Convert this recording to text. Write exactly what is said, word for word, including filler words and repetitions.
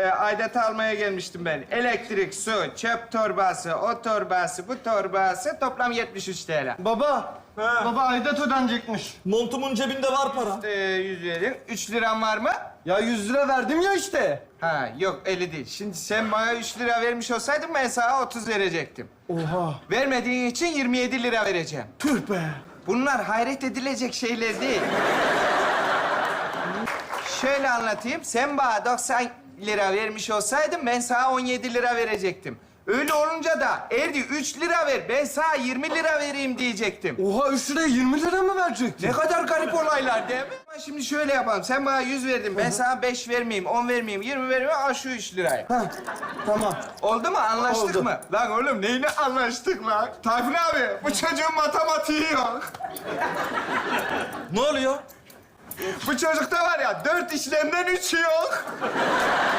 e, aidatı almaya gelmiştim ben. Elektrik, su, çöp torbası, o torbası, bu torbası toplam yetmiş üç T L. Baba, Ha. baba aidat ödenecekmiş. Montumun cebinde var para. Ee, yüz verin. Üç liram var mı? Ya yüz lira verdim ya işte. Ha yok elli değil. Şimdi sen bana üç lira vermiş olsaydın ben sana otuz verecektim. Oha. Vermediğin için yirmi yedi lira vereceğim. Tüh be. Bunlar hayret edilecek şeyler değil. Şöyle anlatayım. Sen bana doksan lira vermiş olsaydın ben sana on yedi lira verecektim. Öyle olunca da Erdi üç lira ver, ben sana yirmi lira vereyim diyecektim. Oha üç liraya yirmi lira mı verecektin? Ne kadar garip olaylar değil mi? Ama şimdi şöyle yapalım. Sen bana yüz verdin, ben sana beş vermeyeyim, on vermeyeyim, yirmi vermeyeyim. Al şu üç lirayı. Ha, tamam. Oldu mu? Anlaştık Oldu. mı? Lan oğlum neyine anlaştık lan? Tayfun abi, bu çocuğun matematiği yok. Ne oluyor? Bu çocukta var ya, dört işlemden üçü yok.